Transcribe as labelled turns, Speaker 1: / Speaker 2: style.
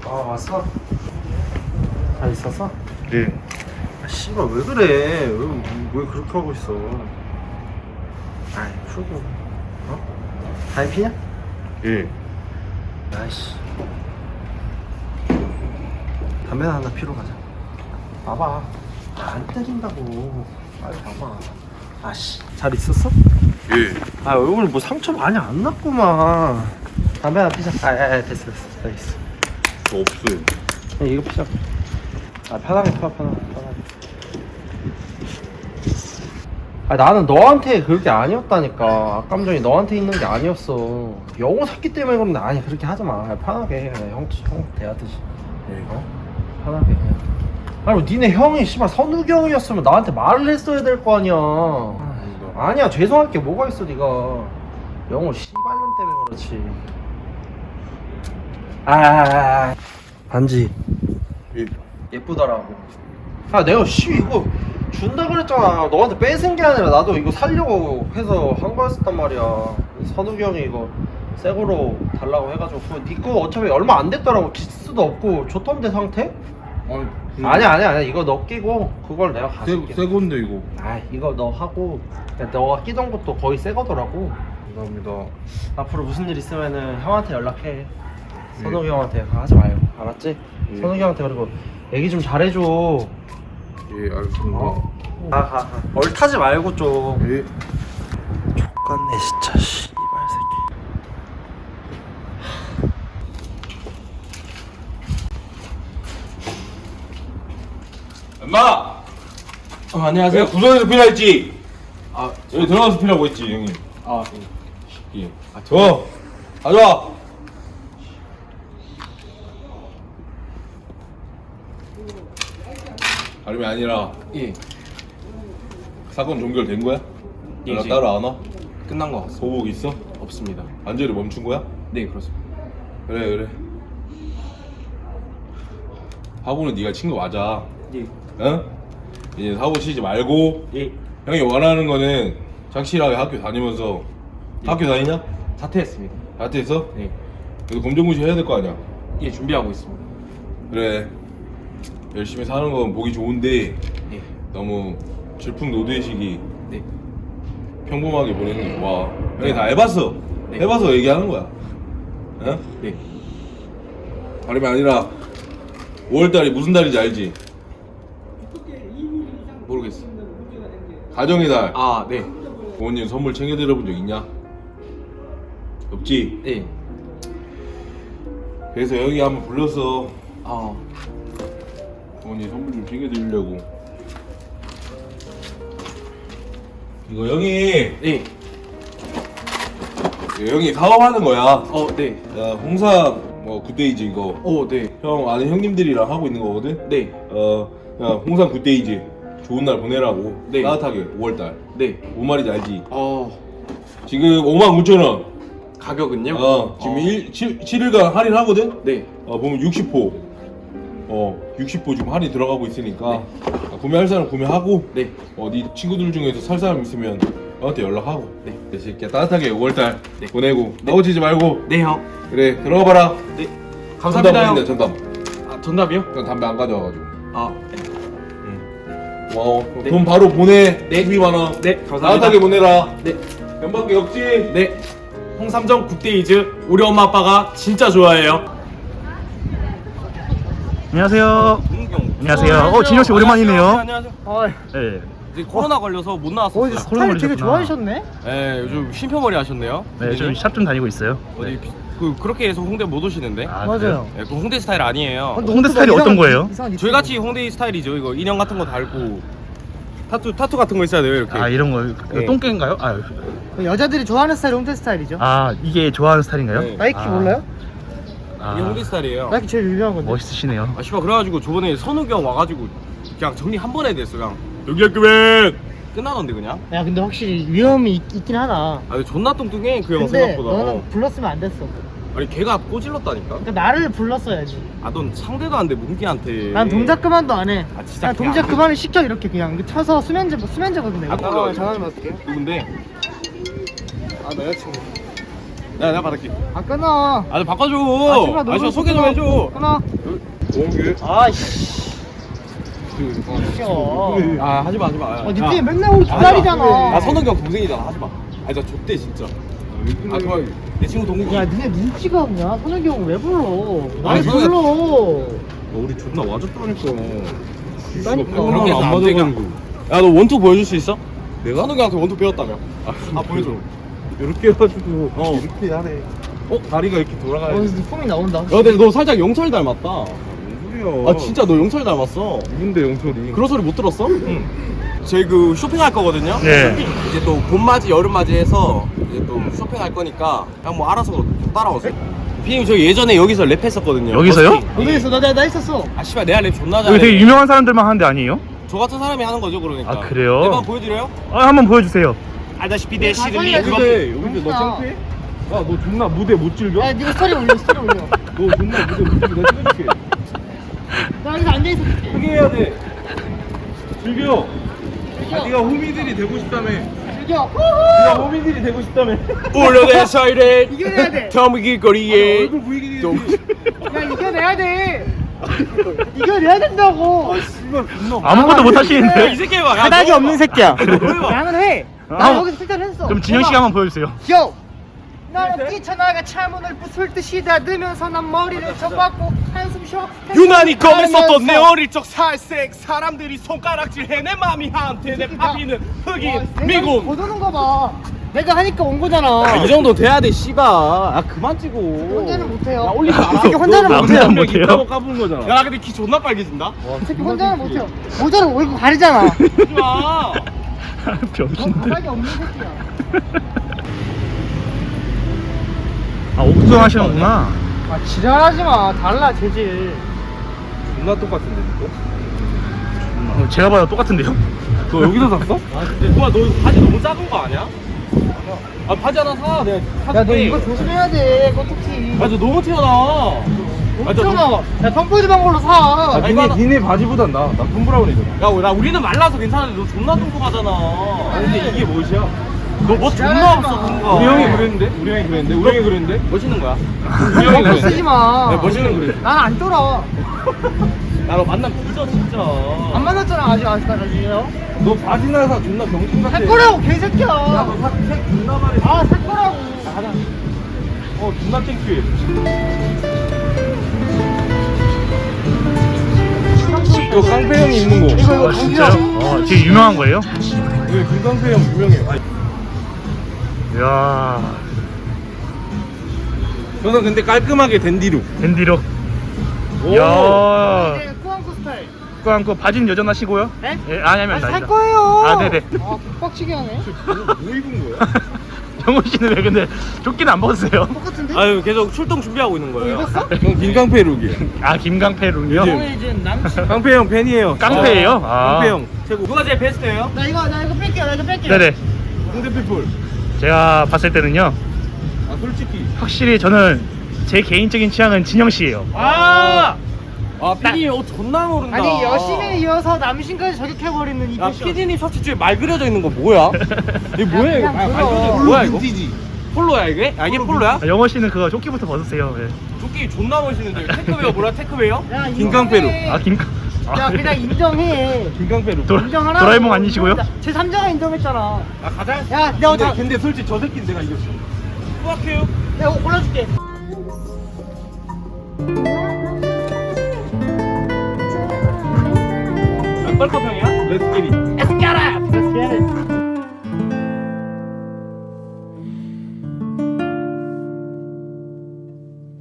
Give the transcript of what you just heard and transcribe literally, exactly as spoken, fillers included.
Speaker 1: 아 왔어? 잘 있었어?
Speaker 2: 예.
Speaker 1: 아 씨발 왜 그래? 왜, 왜 그렇게 하고 있어? 아이 풀고 어? 담배 피냐?
Speaker 2: 예.
Speaker 1: 아이씨 담배나 하나 피러 가자. 봐봐 안 때린다고. 빨리 봐봐. 아씨 잘 있었어?
Speaker 2: 예.
Speaker 1: 아 얼굴 뭐 상처 많이 안 났구만. 담배 하나 피자. 아아 됐어 됐어 됐어.
Speaker 2: 저 없어요.
Speaker 1: 그냥 이거 피자. 아 편하게 펴 편하게 편하게. 아 나는 너한테 그렇게 아니었다니까. 악감정이 너한테 있는 게 아니었어. 영호 샀기 때문에 그런데. 아니 그렇게 하지 마. 형형형 대하듯이.
Speaker 2: 예.
Speaker 1: 어? 편하게 해. 아니 니네 형이 씨발 선욱이 형이었으면 나한테 말을 했어야 될 거 아니야. 아, 아니야 죄송할 게 뭐가 있어 니가. 영호 씨발년 때문에 그렇지. 아, 아, 아 반지
Speaker 2: 예.
Speaker 1: 예쁘더라고. 아 내가 씨 이거 준다 그랬잖아. 너한테 뺏은 게 아니라 나도 이거 살려고 해서 한 거였단 말이야. 선욱이 형이 이거 새 거로 달라고 해가지고 그거 니 거 어차피 얼마 안 됐더라고. 키스도 없고 좋던데 상태?
Speaker 2: 아니, 그...
Speaker 1: 아니야 아니야 아니야 이거 너 끼고 그걸 내가 가질게.
Speaker 2: 새, 새 건데 이거.
Speaker 1: 아 이거 너 하고 그냥 너가 끼던 것도 거의 새 거더라고.
Speaker 2: 감사합니다.
Speaker 1: 앞으로 무슨 일 있으면은 형한테 연락해.
Speaker 2: 예.
Speaker 1: 선욱이 형한테 하지 말고 알았지?
Speaker 2: 예.
Speaker 1: 선욱이 형한테 그리고 얘기 좀 잘해줘.
Speaker 2: 예, 알겠습니다.
Speaker 1: 어? 가, 가, 가. 얼타지 말고 좀.
Speaker 2: 예.
Speaker 1: 족같네 진짜 씨발 새끼.
Speaker 3: 엄마!
Speaker 1: 어 안녕하세요.
Speaker 3: 내가 구석에서 피라 했지?
Speaker 1: 아,
Speaker 3: 여기 들어가서 피라고 했지 형님.
Speaker 1: 아,
Speaker 3: 예. 아, 저 가져와. 다름이 아니라
Speaker 4: 예,
Speaker 3: 사건 종결된 거야?
Speaker 4: 예,
Speaker 3: 연락
Speaker 4: 예.
Speaker 3: 따로 안 와?
Speaker 4: 끝난 것 같습니다.
Speaker 3: 소복 있어?
Speaker 4: 없습니다.
Speaker 3: 안절이 멈춘 거야?
Speaker 4: 네, 그렇습니다.
Speaker 3: 그래 그래. 사고는 네가 친 거 맞아.
Speaker 4: 예,
Speaker 3: 응? 이제 사고 치지 말고
Speaker 4: 예,
Speaker 3: 형이 원하는 거는 착실하게 학교 다니면서 학교 다니냐?
Speaker 4: 사퇴했습니다.
Speaker 3: 나한테서?
Speaker 4: 네,
Speaker 3: 그래도 검정고시 해야 될 거 아니야?
Speaker 4: 예, 준비하고 있습니다.
Speaker 3: 그래 열심히 사는 건 보기 좋은데
Speaker 4: 예,
Speaker 3: 너무 질풍노도의식이
Speaker 4: 네,
Speaker 3: 평범하게 보내는 게 좋아. 형이 다 해봤어.
Speaker 4: 네.
Speaker 3: 해봐서 얘기하는 거야. 어?
Speaker 4: 네.
Speaker 3: 다름이 아니라 오월달이 무슨 달인지 알지?
Speaker 4: 모르겠어.
Speaker 3: 가정의 달.
Speaker 4: 아, 네,
Speaker 3: 부모님 선물 챙겨드려본 적 있냐? 없지?
Speaker 4: 네.
Speaker 3: 그래서 형이 한번 불렀어.
Speaker 4: 아,
Speaker 3: 부모님 선물 좀 챙겨드리려고. 이거 형이
Speaker 4: 네.
Speaker 3: 이거 형이 사업하는 거야.
Speaker 4: 어, 네.
Speaker 3: 야, 홍삼 뭐 굿데이즈 이거
Speaker 4: 어, 네.
Speaker 3: 형 아는 형님들이랑 하고 있는 거거든.
Speaker 4: 네.
Speaker 3: 어, 야, 홍삼 굿데이즈 좋은 날 보내라고.
Speaker 4: 네.
Speaker 3: 따뜻하게 오월달.
Speaker 4: 네.
Speaker 3: 뭔 말인지 알지?
Speaker 4: 어,
Speaker 3: 지금 오만 구천 원.
Speaker 4: 가격은요?
Speaker 3: 어, 지금
Speaker 4: 어.
Speaker 3: 일, 칠, 칠 일간 할인하거든.
Speaker 4: 네.
Speaker 3: 어, 보면 육십 호. 어, 육십 호 지금 할인 들어가고 있으니까
Speaker 4: 네.
Speaker 3: 아, 구매할 사람 구매하고.
Speaker 4: 네.
Speaker 3: 어, 네 친구들 중에서 살 사람 있으면 나한테 연락하고.
Speaker 4: 네.
Speaker 3: 이 새끼야 따뜻하게 오월달
Speaker 4: 네.
Speaker 3: 보내고
Speaker 4: 네.
Speaker 3: 나오치지 말고.
Speaker 4: 네, 형.
Speaker 3: 그래 들어가 봐라.
Speaker 4: 네. 감사합니다, 형.
Speaker 3: 전담.
Speaker 4: 아, 전답이요?
Speaker 3: 난 담배 안 가져와가지고.
Speaker 4: 아,
Speaker 3: 고마워.
Speaker 4: 네.
Speaker 3: 돈 바로 보내.
Speaker 4: 네.
Speaker 3: 십이만 원.
Speaker 4: 네, 감사합니다.
Speaker 3: 따뜻하게 보내라.
Speaker 4: 네.
Speaker 3: 연밖에 없지?
Speaker 4: 네. 홍삼정 굿데이즈 우리 엄마 아빠가 진짜 좋아해요.
Speaker 5: 안녕하세요.
Speaker 4: 동경.
Speaker 5: 안녕하세요. 어, 진혁 씨 오랜만이네요.
Speaker 4: 안녕하세요.
Speaker 5: 네.
Speaker 4: 이제 코로나 걸려서 못 나왔어요.
Speaker 5: 코로나 걸리셨구나.
Speaker 4: 네, 요즘 쉼표머리 하셨네요.
Speaker 5: 네, 좀 샵 좀 다니고 있어요.
Speaker 4: 어디 그 그렇게 해서 홍대 못 오시는데?
Speaker 5: 아,
Speaker 6: 맞아요.
Speaker 4: 네, 그 홍대 스타일 아니에요.
Speaker 5: 그래요? 홍대 스타일이 어떤 거예요?
Speaker 4: 저희 같이 홍대 스타일이죠. 이거 인형 같은 거 달고 타투 타투 같은 거 있어야 돼요. 이렇게.
Speaker 5: 아, 이런 거.
Speaker 4: 네.
Speaker 5: 똥개인가요? 아,
Speaker 6: 여자들이 좋아하는 스타일 홍대 스타일이죠.
Speaker 5: 아, 이게 좋아하는 스타일인가요?
Speaker 4: 네.
Speaker 6: 나이키
Speaker 5: 아,
Speaker 6: 몰라요?
Speaker 5: 아,
Speaker 4: 이게 홍대 스타일이에요.
Speaker 6: 나이키 제일 유명한 건데.
Speaker 5: 멋있으시네요.
Speaker 4: 아 씨발 그래가지고 저번에 선욱이 형 와가지고 그냥 정리 한 번에 됐어. 그냥 여기 학교맨 끝나던데 그냥.
Speaker 6: 야 근데 확실히 위험이 있, 있긴 하다.
Speaker 4: 아 근데 존나 뚱뚱해 그 형
Speaker 6: 근데
Speaker 4: 생각보다.
Speaker 6: 너는
Speaker 4: 어.
Speaker 6: 불렀으면 안 됐어.
Speaker 4: 아니 걔가 꼬질렀다니까.
Speaker 6: 그러니까 나를 불렀어야지.
Speaker 4: 아 넌 상대도 안 돼 뭉기한테.
Speaker 6: 난 동작 그만도 안 해.
Speaker 4: 아, 진짜
Speaker 6: 난
Speaker 4: 걔
Speaker 6: 동작
Speaker 4: 안
Speaker 6: 그만을 시켜 이렇게 그냥 쳐서 수면제 수면제거든 내가.
Speaker 4: 아,
Speaker 6: 전화 좀 받을게요.
Speaker 4: 누군데?
Speaker 6: 아 나 여자친구.
Speaker 4: 야 내가 받을게.
Speaker 6: 아 끊어.
Speaker 4: 아, 좀 바꿔줘.
Speaker 6: 아, 제발
Speaker 4: 아,
Speaker 6: 너무
Speaker 4: 저 소개 좀
Speaker 6: 끊어.
Speaker 4: 해줘.
Speaker 6: 끊어.
Speaker 2: 오게.
Speaker 6: 아이씨. 웃겨.
Speaker 4: 아, 하지 마, 하지 마.
Speaker 6: 어, 니네 맨날 우리 기다리잖아.
Speaker 4: 아, 선욱이 형 동생이잖아. 하지 마. 아, 나 좆대 진짜. 아, 그만. 내 친구 동생이.
Speaker 6: 야, 니네 눈치가 없냐? 선욱이 형 왜 불러? 날
Speaker 4: 아니, 선욱이-
Speaker 6: 불러.
Speaker 3: 우리 존나 맞았다니까.
Speaker 6: 그러니까.
Speaker 4: 그렇게 해서 안 되게. 야, 너 원투 보여줄 수 있어? 내가? 선욱이 형한테 원투 배웠다며. 아, 보여줘.
Speaker 3: 이렇게 해가지고
Speaker 4: 어.
Speaker 3: 이렇게 하네. 어 다리가 이렇게 돌아가야 돼.
Speaker 6: 어, 폼이 나온다.
Speaker 4: 야, 근데 너 살짝 영철 닮았다.
Speaker 3: 뭔 소리야?
Speaker 4: 아, 진짜 너 영철 닮았어.
Speaker 3: 누군데 영철이?
Speaker 4: 그런 소리 못 들었어? 응. 저희 그 쇼핑할 거거든요.
Speaker 5: 네.
Speaker 4: 이제 또 봄맞이 여름맞이 해서 이제 또 쇼핑할 거니까 그냥 뭐 알아서 따라오세요. 피디님 저 예전에 여기서 랩했었거든요.
Speaker 5: 여기서요?
Speaker 4: 버스킹.
Speaker 6: 어디 있어? 나, 나, 나 있었어.
Speaker 4: 아 씨발 내가 랩 존나
Speaker 5: 여기
Speaker 4: 잘해.
Speaker 5: 되게 유명한 사람들만 하는 데 아니에요?
Speaker 4: 저 같은 사람이 하는 거죠 그러니까.
Speaker 5: 아, 그래요?
Speaker 4: 내방 보여드려요?
Speaker 5: 아 한번 보여주세요.
Speaker 4: 알다시피 내
Speaker 6: 가사에
Speaker 4: 시름이
Speaker 6: 그거-
Speaker 4: 그거.
Speaker 3: 근데 여기서 너
Speaker 6: 진짜.
Speaker 3: 창피해? 야너 존나 무대 못 즐겨?
Speaker 6: 야, 니가 스토리 올려, 스토리 올려.
Speaker 3: 너 존나 무대 못 즐겨. 내가 찍어줄게.
Speaker 6: 나 여기서 앉아있어.
Speaker 3: 크게 해야 돼. 즐겨. 아 네가 호미들이 되고 싶다며.
Speaker 6: 즐겨.
Speaker 3: 네가 호미들이 되고 싶다며.
Speaker 4: 올려내 사이렌
Speaker 6: 이겨내야 돼.
Speaker 4: 터미 길거리에
Speaker 3: 얼굴 보이게
Speaker 4: 좀-
Speaker 6: 야, 이겨내야 돼. 이겨내야 된다고.
Speaker 3: 씨발 존나.
Speaker 5: 아무것도 못
Speaker 4: 야, 이
Speaker 5: 하시는데.
Speaker 4: 새끼 봐. 야,
Speaker 6: 바닥이
Speaker 4: 너
Speaker 6: 없는
Speaker 4: 봐.
Speaker 6: 새끼야.
Speaker 4: 봐.
Speaker 6: 나는 해.
Speaker 5: 아,
Speaker 6: 나 여기서 실전 했어.
Speaker 5: 그럼 진영 씨가 한번 보여주세요.
Speaker 6: 요! 나는 뛰쳐나가 차문을 부술 듯이 닫으면서 난 머리를 쳐박고 한숨 쉬어.
Speaker 4: 유난히 검했었던 내
Speaker 6: 하면서.
Speaker 4: 어릴 적 살색 사람들이 손가락질해 내 맘이 한테 내 파비는
Speaker 6: 와,
Speaker 4: 흑인
Speaker 6: 내가
Speaker 4: 미국.
Speaker 6: 못 오는 거 봐. 내가 하니까 온 거잖아.
Speaker 4: 아, 이 정도 돼야 돼 씨발. 아 그만 찍어.
Speaker 6: 혼자는 못해요.
Speaker 4: 야 올리지 마라.
Speaker 6: 이 새끼 혼자는
Speaker 5: 너
Speaker 6: 못해요.
Speaker 5: 남자는 못해요?
Speaker 3: 있다고 까부는 거잖아.
Speaker 4: 야 근데 키 존나 빨개진다.
Speaker 6: 이 새끼 혼자는 못해요. 모자는 얼굴 가리잖아.
Speaker 4: 하지 마.
Speaker 6: 넌
Speaker 5: 병신들.
Speaker 6: 바닥이 없는 새끼야.
Speaker 5: 아 옥수수 하시는구나.
Speaker 6: 아 지랄하지 마. 달라 재질.
Speaker 3: 존나 똑같은데 또?
Speaker 5: 어, 제가 봐도 똑같은데요?
Speaker 3: 너 여기서 샀어?
Speaker 4: 아 근데 누가 너 바지 너무 작은 거 아니야? 아 바지 하나 사. 내가 사줄게.
Speaker 6: 야 너 이거 조심해야 돼. 꼬투키.
Speaker 4: 아, 저 너무 튀어나와. 아, 저 너무-
Speaker 6: 엄청나. 야 펌프즈방 걸로 사.
Speaker 3: 아,
Speaker 4: 이거
Speaker 3: 니네,
Speaker 4: 하나-
Speaker 3: 니네 바지보단 나. 나 톰브라운이잖아.
Speaker 4: 야, 나 우리는 말라서 괜찮은데 너 존나 뚱뚱하잖아. 근데 이게 뭐야? 너 뭐 존나 없어 뭔가.
Speaker 3: 우리 형이 그랬는데? 우리 형이 그랬는데? 우리 형이 그랬는데?
Speaker 4: 멋있는 거야.
Speaker 3: 우리 형이
Speaker 6: 펌프 쓰지
Speaker 3: 그랬는데?
Speaker 6: 마.
Speaker 3: 네, 멋있는 그래.
Speaker 6: 난 안 쫄아.
Speaker 4: 야, 너 만나면 뒤져 진짜.
Speaker 6: 안 만났잖아 아직 아직까지요.
Speaker 3: 너 바지나 사 존나 병신 같아.
Speaker 6: 살 거라고 개새끼야.
Speaker 3: 색 존나 말해.
Speaker 6: 아 살 거라고.
Speaker 3: 어 존나 창피해. 이거 깡패 형이 입는 거.
Speaker 6: 이거 이거
Speaker 5: 아 진짜요? 어 되게 유명한 거예요?
Speaker 3: 이거 김깡패 형 유명해. 아니,
Speaker 5: 이야
Speaker 3: 저는 근데 깔끔하게 댄디룩.
Speaker 5: 밴디로.
Speaker 3: 오.
Speaker 5: 이야.
Speaker 6: 이제 꾸안꾸 스타일.
Speaker 5: 그럼 그 바지는 여전하시고요?
Speaker 6: 네?
Speaker 5: 예, 아니면
Speaker 6: 아니, 살
Speaker 5: 아니다.
Speaker 6: 거예요.
Speaker 5: 아 네네.
Speaker 6: 아 개빡치게 하네.
Speaker 3: 뭐 입은 거야?
Speaker 5: 영호 씨는 왜 근데 조끼는 안 벗으세요?
Speaker 6: 똑같은데?
Speaker 4: 아유, 계속 출동 준비하고 있는 거예요.
Speaker 6: 입었어?
Speaker 3: 전 김깡패 룩이에요.
Speaker 5: 아 김강패 룩이요?
Speaker 6: 오늘 이제 남친.
Speaker 3: 깡패 형 팬이에요.
Speaker 5: 깡패예요? 아.
Speaker 3: 깡패 형 최고.
Speaker 4: 누가 제일 베스트예요?
Speaker 6: 나 이거 나 이거 뺄게요. 나 이거 뺄게요.
Speaker 5: 네네.
Speaker 3: 홍대피플.
Speaker 5: 제가 봤을 때는요
Speaker 3: 아 솔직히.
Speaker 5: 확실히 저는 제 개인적인 취향은 진영 씨예요.
Speaker 4: 아! 아, 피디님 옷 존나 모른다.
Speaker 6: 아니 여신에 이어서 남신까지 저격해버리는 이
Speaker 4: 야,
Speaker 6: 패션.
Speaker 4: 피디님 셔츠 뒤에 말 그려져 있는 거 뭐야? 이게 뭐야 이거?
Speaker 6: 그냥
Speaker 4: 아, 말
Speaker 6: 그거.
Speaker 4: 그려져 있는 뭐야 이거?
Speaker 3: 빈티지.
Speaker 4: 폴로야 이게? 아, 이게 폴로야?
Speaker 5: 아, 영호 씨는 그거 조끼부터 벗으세요. 예.
Speaker 4: 조끼 존나 멋있는데 테크웨어 뭐야 테크웨어?
Speaker 6: 야,
Speaker 3: 김깡패로.
Speaker 6: 인정해.
Speaker 5: 아 김강.
Speaker 6: 야 그냥 인정해.
Speaker 3: 김깡패 룩.
Speaker 5: 도,
Speaker 6: 인정하라고.
Speaker 5: 도라에몽 아니시고요?
Speaker 6: 제 삼자가 인정했잖아.
Speaker 4: 아 가자.
Speaker 6: 야 내가
Speaker 3: 근데,
Speaker 6: 다
Speaker 3: 근데 솔직히 저 새끼는 내가 이겼어.
Speaker 4: 수학해요.
Speaker 6: 내가 이거 골라줄게.
Speaker 4: 뻘컵 형이야?
Speaker 3: 렛츠 기릿.
Speaker 6: Let's get it. Let's get it.